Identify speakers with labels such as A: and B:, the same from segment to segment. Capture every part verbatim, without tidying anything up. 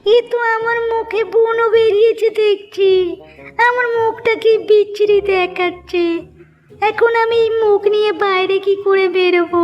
A: এ তো আমার মুখে ব্রণ বেরিয়েছে দেখছি। আমার মুখটা কি বিচ্ছিরি দেখাচ্ছে। এখন আমি এই মুখ নিয়ে বাইরে কি করে বেরোবো?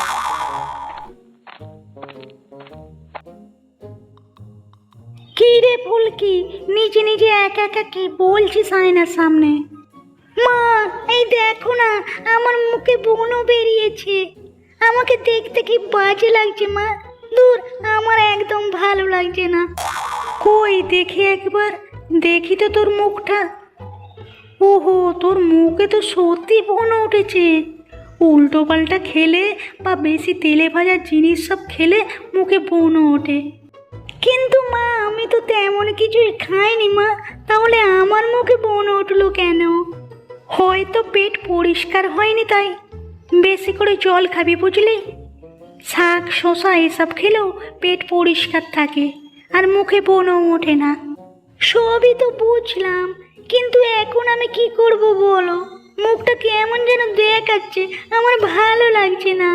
A: কি রে ফুলকি, নিজে নিজে একা একা কি বলছিস আয়নার সামনে? মা, এই দেখো না, আমার মুখে ব্রণ বেরিয়েছে। আমাকে দেখতে কি বাজে লাগছে মা। দূর, আমার একদম ভালো লাগছে না। কই দেখি একবার, দেখি তো তোর মুখটা। ওহো, তোর মুখে তো সত্যি ব্রণ উঠেছে। উল্টো পাল্টা খেলে বা বেশি তেলে ভাজা জিনিস সব খেলে মুখে ব্রণ ওঠে। কিন্তু মা, আমি তো তেমন কিছুই খাইনি মা, তাহলে আমার মুখে ব্রণ উঠলো কেন? হয়তো পেট পরিষ্কার হয়নি তাই। বেশি করে জল খাবি বুঝলি। শাক শসা এসব খেলেও পেট পরিষ্কার থাকে আর মুখে ব্রণ ওঠে না। সবই তো বুঝলাম, কিন্তু এখন আমি কি করব বলো? মুখটা কেমন যেন দেখাচ্ছে, আমার ভালো লাগছে না।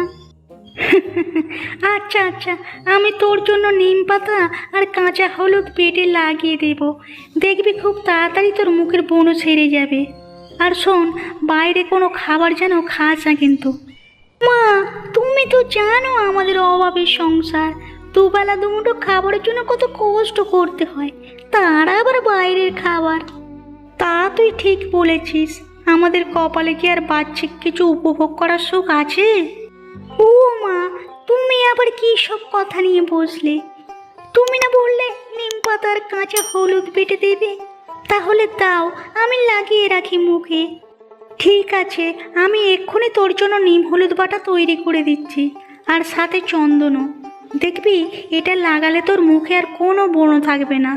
A: আচ্ছা আচ্ছা, আমি তোর জন্য নিম পাতা আর কাঁচা হলুদ পেটে লাগিয়ে দেব। দেখবি খুব তাড়াতাড়ি তোর মুখের ব্রণ সেরে যাবে। আর শোন, বাইরে কোনো খাবার যেন খাস না কিন্তু। মা, তুমি তো জানো আমাদের অভাবের সংসার। দুবেলা দুমুঠো খাবারের জন্য কত কষ্ট করতে হয়, তার আবার বাইরের খাবার। তা তুই ঠিক বলেছিস, আমাদের কপালে কি আর বাহ্যিক কিছু উপভোগ করার সুখ আছে? ও মা, তুমি আবার কি সব কথা নিয়ে বসলে? তুমি না বললে নিম পাতার কাঁচা হলুদ বেটে দেবে? তাহলে দাও, আমি লাগিয়ে রাখি মুখে। ঠিক আছে, আমি এক্ষুনি তোর জন্য নিম হলুদ বাটা তৈরি করে দিচ্ছি, আর সাথে চন্দনও। দেখবি এটা লাগালে তোর মুখে আর কোনো ব্রণ থাকবে না।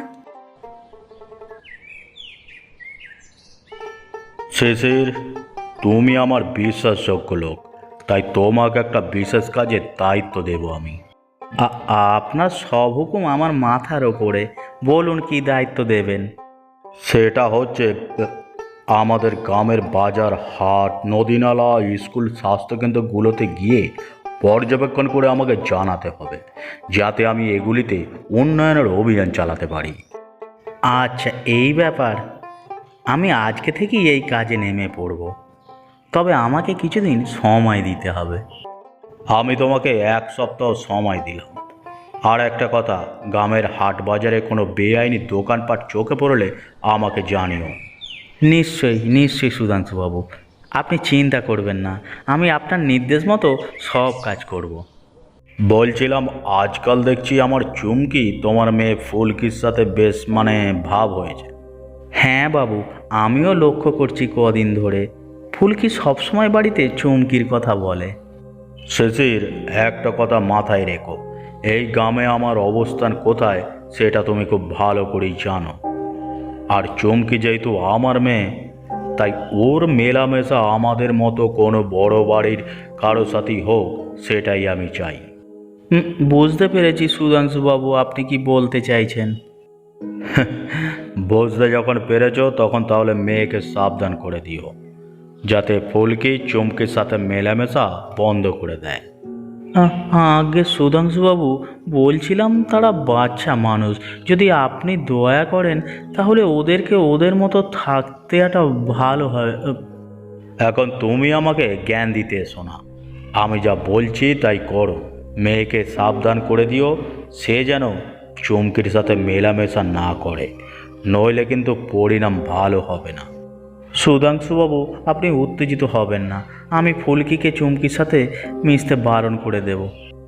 B: শিশির, তুমি আমার বিশ্বাসযোগ্য লোক, তাই তোমাকে একটা বিশেষ কাজের দায়িত্ব দেব আমি। আ- আপনার সব হুকুম আমার মাথার ওপরে, বলুন কি দায়িত্ব দেবেন। সেটা হচ্ছে আমাদের গ্রামের বাজার, হাট, নদীনালা, স্কুল, স্বাস্থ্যকেন্দ্রগুলোতে গিয়ে পর্যবেক্ষণ করে আমাকে জানাতে হবে, যাতে আমি এগুলিতে উন্নয়নের অভিযান চালাতে পারি। আচ্ছা, এই ব্যাপার। আমি আজকে থেকেই এই কাজে নেমে পড়ব, তবে আমাকে কিছুদিন সময় দিতে হবে। আমি তোমাকে এক সপ্তাহ সময় দিলাম। আর একটা কথা, গ্রামের হাট বাজারে কোনো বেআইনি দোকানপাট চোখে পড়লে আমাকে জানিও। নিশ্চয়ই নিশ্চয়ই সুধাংশুবাবু, আপনি চিন্তা করবেন না, আমি আপনার নির্দেশ মতো সব কাজ করব। বলছিলাম, আজকাল দেখছি আমার চুমকি তোমার মেয়ে ফুলকির সাথে বেশ মানে ভাব হয়েছে। হ্যাঁ বাবু, আমিও লক্ষ্য করছি কদিন ধরে ফুলকি সবসময় বাড়িতে চুমকির কথা বলে। শিশির, একটা কথা মাথায় রেখো, এই গ্রামে আমার অবস্থান কোথায় সেটা তুমি খুব ভালো করেই জানো। আর চুমকি যেহেতু আমার মেয়ে, তাই ওর মেলামেশা আমাদের মতো কোনো বড় বাড়ির কারো সাথেই হোক, সেটাই আমি চাই। হুম, বুঝতে পেরেছি সুধাংশুবাবু, আপনি কি বলতে চাইছেন। বুঝতে যখন পেরেছ, তখন তাহলে মেয়েকে সাবধান করে দিও, যাতে ফুলকি চুমকির সাথে মেলামেশা বন্ধ করে দেয়। আগে সুধাংশুবাবু, বলছিলাম তারা বাচ্চা মানুষ, যদি আপনি দয়া করেন তাহলে ওদেরকে ওদের মতো থাকতে একটা ভালো হয়। এখন তুমি আমাকে জ্ঞান দিতে এসো না, আমি যা বলছি তাই করো। মেয়েকে সাবধান করে দিও, সে যেন চুমকির সাথে মেলামেশা না করে, নইলে কিন্তু পরিণাম ভালো হবে না। সুধাংশুবাবু, আপনি উত্তেজিত হবেন না, আমি ফুলকিকে চুমকির সাথে মিশতে বারণ করে দেব।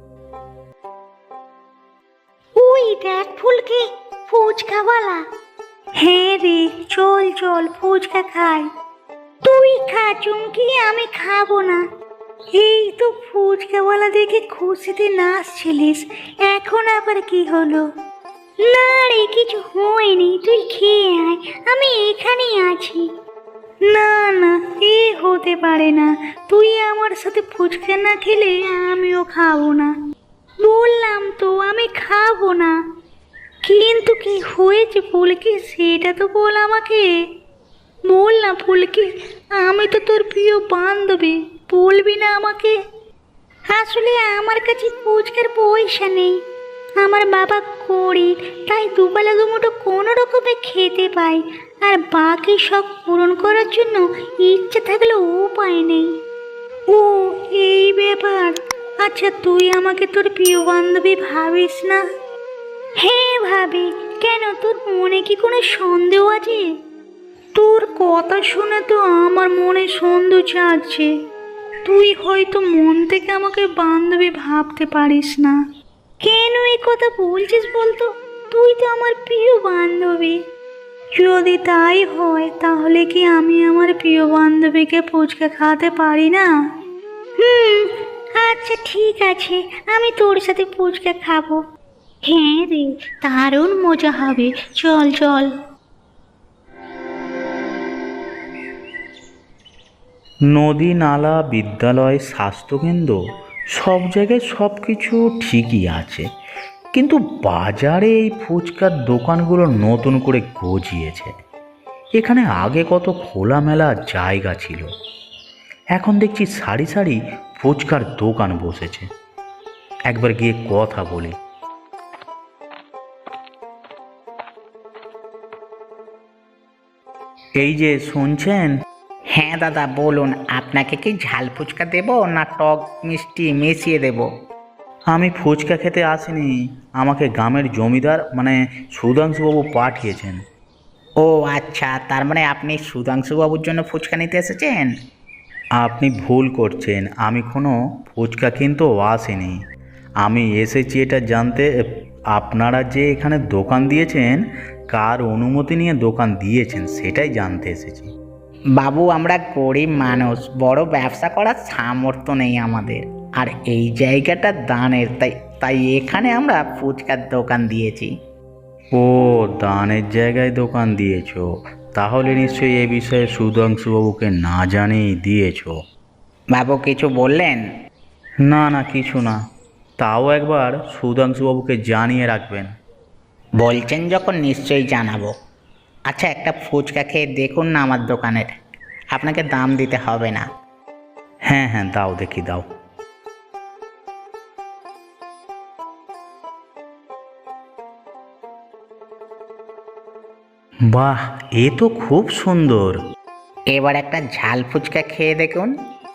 A: ওই দেখ ফুলকি, ফুচকাওয়ালা। হ্যাঁ রে, চল চল ফুচকা খাই। তুই খা চুমকি, আমি খাবো না। এই তো ফুচকাওয়ালা দেখে খুশিতে নাচছিলিস, এখন আবার কি হলো? না রে, কিছু হয়নি, তুই খেয়ে আয়, আমি এখানেই আছি। না না, এ হতে পারে না। তুই আমার সাথে ফুচকা না খেলে আমিও খাবো না। বললাম তো আমি খাবো না। কিন্তু কি হয়েছে ফুলকি, সেটা তো বল আমাকে। বল না ফুলকি, আমি তো তোর প্রিয় বান্ধবী, বলবি না আমাকে? আসলে আমার কাছে ফুচকার পয়সা নেই, আমার বাবা গরিব, তাই দুবেলা দুমুঠো কোনো রকমে খেতে পাই, আর বাকি শখ পূরণ করার জন্য ইচ্ছে থাকলেও উপায় নেই। ও এই ব্যাপার। আচ্ছা, তুই আমাকে তোর প্রিয় বান্ধবী ভাবিস না? হ্যাঁ ভাবি। কেন, তোর মনে কি কোনো সন্দেহ আছে? তোর কথা শুনে তো আমার মনে সন্দেহ জাগছে। তুই হয়তো মন থেকে আমাকে বান্ধবী ভাবতে পারিস না। কেন এই কথা বলছিস বলতো? তুই তো আমার প্রিয় বান্ধবী। যদি তাই হয় তাহলে কি আমি আমার প্রিয় বান্ধবীকে ফুচকা খাওয়াতে পারি না? হুম, আচ্ছা ঠিক আছে, আমি তোর সাথে ফুচকা খাবো। হ্যাঁ রে, দারুণ মজা হবে, চল চল।
B: নদী, নালা, বিদ্যালয়, স্বাস্থ্যকেন্দ্র সব জায়গায় সব কিছু ঠিকই আছে, কিন্তু বাজারে এই ফুচকার দোকানগুলো নতুন করে গজিয়েছে। এখানে আগে কত খোলামেলা জায়গা ছিল, এখন দেখছি সারি সারি ফুচকার দোকান বসেছে। একবার গিয়ে কথা বলি। এই যে শুনছেন?
C: হ্যাঁ দাদা বলুন, আপনাকে কি ঝাল ফুচকা দেবো না টক মিষ্টি মিশিয়ে দেবো?
B: আমি ফুচকা খেতে আসিনি, আমাকে গ্রামের জমিদার মানে সুধাংশুবাবু পাঠিয়েছেন।
C: ও আচ্ছা, তার মানে আপনি সুধাংশুবাবুর জন্য ফুচকা নিতে এসেছেন?
B: আপনি ভুল করছেন, আমি কোনো ফুচকা কিন্তু আসিনি। আমি এসেছি এটা জানতে, আপনারা যে এখানে দোকান দিয়েছেন কার অনুমতি নিয়ে দোকান দিয়েছেন সেটাই জানতে এসেছি।
C: বাবু, আমরা গরিব মানুষ, বড় ব্যবসা করার সামর্থ্য নেই আমাদের, আর এই জায়গাটা দানের, তাই তাই এখানে আমরা ফুচকার দোকান দিয়েছি।
B: ও, দানের জায়গায় দোকান দিয়েছো, তাহলে নিশ্চয়ই এ বিষয়ে সুধাংশুবাবুকে না জানিয়ে দিয়েছো।
C: বাবু কিছু বললেন?
B: না না, কিছু না, তাও একবার সুধাংশুবাবুকে জানিয়ে রাখবেন।
C: বলছেন যখন নিশ্চয়ই জানাবো। আচ্ছা, একটা ফুচকা খেয়ে দেখুন না আমার দোকানের, আপনাকে দাম দিতে হবে না।
B: হ্যাঁ হ্যাঁ, দাও দেখি দাও। বাহ, এ তো খুব সুন্দর।
C: এবার একটা ঝাল ফুচকা খেয়ে দেখুন।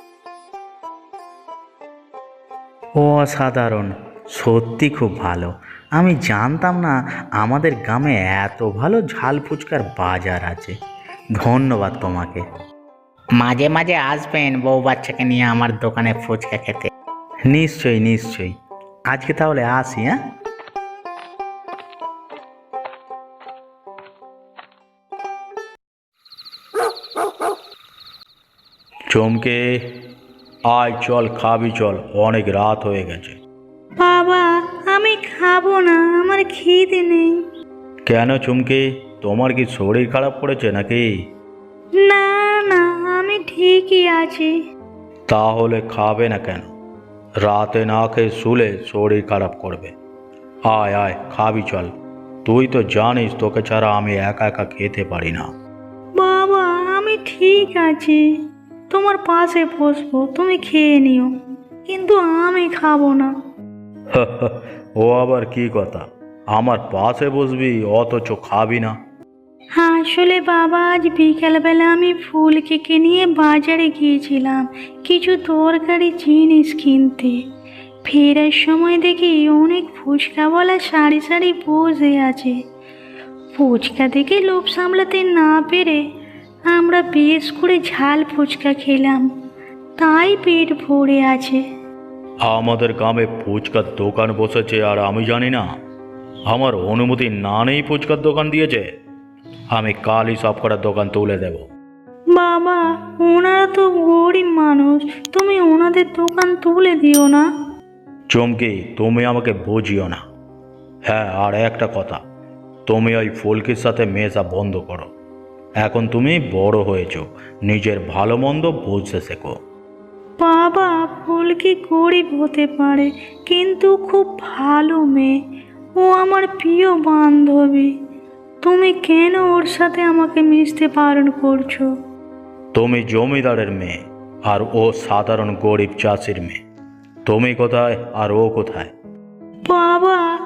B: অসাধারণ, সত্যি খুব ভালো। আমি জানতাম না আমাদের গ্রামে এত ভালো ঝাল ফুচকার বাজার আছে। ধন্যবাদ তোমাকে।
C: মাঝে মাঝে আসবেন বউ বাচ্চাকে নিয়ে আমার দোকানে ফুচকা খেতে।
B: নিশ্চয়ই নিশ্চয়ই, আজকে তাহলে আসি। হ্যাঁ, চমকে আয়, চল খাবি, চল, অনেক রাত হয়ে গেছে।
A: বাবা, আমি খাবো না, আমার খিদে নেই।
B: কেন চুমকি, তোমার কি শরীর খারাপ করেছে নাকি?
A: না না, আমি ঠিকই আছি।
B: তাহলে খাবে না কেন? রাতে না খেয়ে শুলে শরীর খারাপ করবে। আয় আয়, খাবি চল। তুই তো জানিস তোকে ছাড়া আমি একা একা খেতে পারি না।
A: বাবা, আমি ঠিক আছি, তোমার পাশে বসবো, তুমি খেয়ে নিও, কিন্তু আমি খাবো না।
B: ও আবার কি কথা, আমার পাশে বসবি অথচ খাবি না?
A: আসলে বাবা, আজ বিকেলবেলা আমি ফুলকে নিয়ে বাজারে গিয়েছিলাম কিছু দরকারি জিনিস কিনতে। ফেরার সময় দেখি অনেক ফুচকাওয়ালা সারি সারি বসে আছে। ফুচকা দেখে লোভ সামলাতে না পেরে আমরা বেশ করে ঝাল ফুচকা খেলাম, তাই পেট ভরে আছে।
B: আমাদের গ্রামে ফুচকার দোকান বসেছে আর আমি জানি না? আমার অনুমতি না নেই ফুচকার দোকান দিয়েছে? আমি কালই সব কটার দোকান তুলে দেব।
A: বাবা, ওনারা তো গরিব মানুষ, তুমি ওনাদের দোকান তুলে দিও না।
B: চমকি, তুমি আমাকে বুঝিও না। হ্যাঁ, আর একটা কথা, তুমি ওই ফুলকির সাথে মেশা বন্ধ করো। এখন তুমি বড় হয়েছো, নিজের ভালো মন্দ বুঝতে শেখো।
A: বাবা, ফুলকি গরিব হতে পারে, কিন্তু খুব ভালো মেয়ে, ও আমার প্রিয় বান্ধবী। তুমি কেন ওর সাথে আমাকে মিশতে বারণ করছো?
B: তুমি জমিদারের মেয়ে আর ও সাধারণ গরিব চাষির মেয়ে। তুমি কোথায় আর ও কোথায়?
A: বাবা,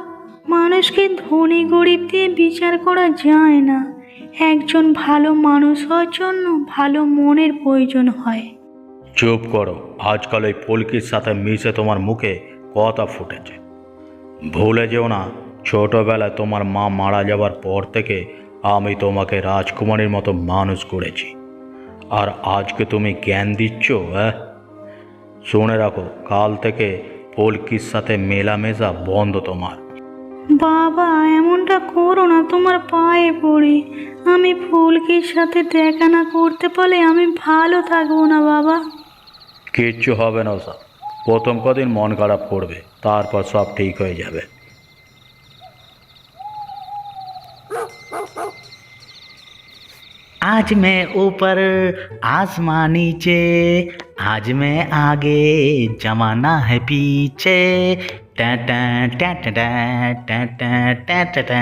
A: মানুষকে ধনী গরিব দিয়ে বিচার করা যায় না। একজন ভালো মানুষ হওয়ার জন্য ভালো মনের প্রয়োজন হয়।
B: চুপ করো, আজকাল ওই ফুলকির সাথে মিশে তোমার মুখে কথা ফুটেছে। ভুলে যেও না, ছোটবেলায় তোমার মা মারা যাওয়ার পর থেকে আমি তোমাকে রাজকুমারীর মতো মানুষ করেছি, আর আজকে তুমি জ্ঞান দিচ্ছ? হ্যাঁ, শুনে রাখো, কাল থেকে ফুলকির সাথে মেলামেশা বন্ধ তোমার।
A: বাবা, এমনটা করো না, তোমার পায়ে পড়ি। আমি ফুলকির সাথে দেখা না করতে পারলে আমি ভালো থাকবো না বাবা।
B: কিচ্ছু হবে না স্যার, প্রথম কদিন মন খারাপ করবে, তারপর সব ঠিক হয়ে যাবে।
C: आज मैं ऊपर आसमां नीचे, आज मैं आगे जमाना है पीछे। टा टा टा टा टा टा टा टा टा।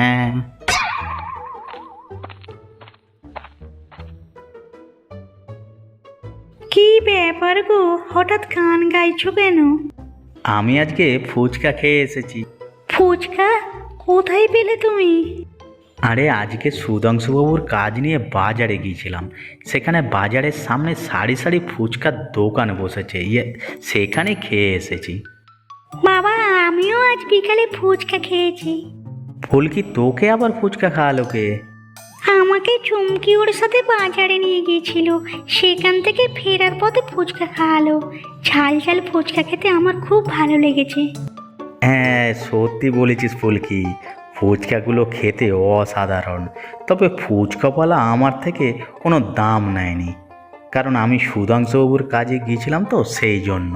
A: কি ব্যাপার গো, হঠাৎ গান গাইছো কেন?
C: আমি আজকে ফুচকা খেয়ে এসেছি।
A: ফুচকা কোথায় পেলে তুমি?
C: আরে আজকে সুধাংশুবাবুর কাজ নিয়ে বাজারে গিয়েছিলাম, সেখানে বাজারের সামনে সারি সারি ফুচকার দোকান বসেছে, ইয়ে সেখানে খেয়ে এসেছি।
A: বাবা, আমিও আজ বিকালে ফুচকা খেয়েছি।
C: ফুলকি তোকে আবার ফুচকা খাওয়ালো কে?
A: আমাকে চুমকি ওর সাথে বাজারে নিয়ে গিয়েছিল, সেখান থেকে ফেরার পথে ফুচকা খাওয়ালো। ঝাল ঝাল ফুচকা খেতে আমার খুব ভালো লেগেছে।
C: হ্যাঁ সত্যি বলেছিস ফুলকি, ফুচকাগুলো খেতে অসাধারণ। তবে ফুচকাওয়ালা আমার থেকে কোনো দাম নেয়নি, কারণ আমি সুধাংশুবাবুর কাজে গিয়েছিলাম তো সেই জন্য।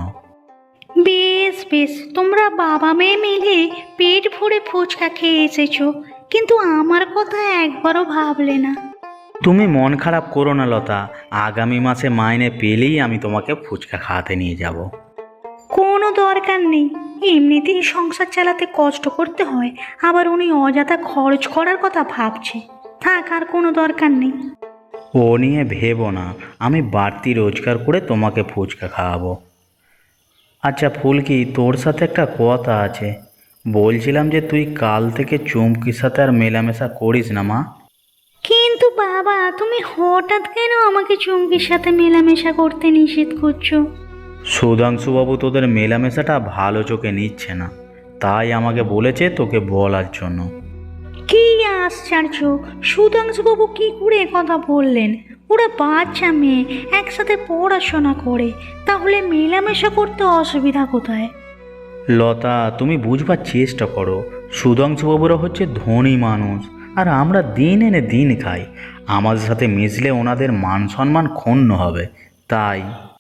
A: বেশ বেশ, তোমরা বাবা মেয়ে মিলে পেট ভরে ফুচকা খেয়ে এসেছো, কিন্তু আমার কথা একবারও ভাবলে না।
C: তুমি মন খারাপ করো না লতা, আগামী মাসে মাইনে পেলেই আমি তোমাকে ফুচকা খাওয়াতে নিয়ে যাব।
A: কোনো দরকার নেই, এমনিতেই সংসার চালাতে কষ্ট করতে হয়, আবার উনি অযথা খরচ করার কথা ভাবছে। থাক, আর কোনো দরকার নেই।
C: ও নিয়ে ভেবো না, আমি বাড়তি রোজগার করে তোমাকে ফুচকা খাওয়াবো। আচ্ছা ফুলকি, তোর সাথে একটা কথা আছে। বলছিলাম যে তুই কাল থেকে চুমকির সাথে আর মেলামেশা করিস না মা।
A: কিন্তু বাবা, তুমি হঠাৎ কেন আমাকে চুমকির সাথে মেলামেশা করতে নিষেধ করছো?
C: সুধাংশুবাবু তোদের মেলামেশাটা ভালো চোখে নিচ্ছে না, তাই আমাকে বলেছে তোকে বলার জন্য।
A: কি আশ্চর্য, সুধাংশুবাবু কি করে এ কথা বললেন? ওরা বাচ্চা মেয়ে, একসাথে পড়াশোনা করে, তাহলে মেলামেশা করতে অসুবিধা কোথায়?
C: লতা, তুমি বুঝবার চেষ্টা করো, সুধাংশুবাবুরা হচ্ছে ধনী মানুষ, আর আমরা দিন এনে দিন খাই। আমাদের সাথে মিশলে ওনাদের মান সম্মান ক্ষুণ্ণ হবে, তাই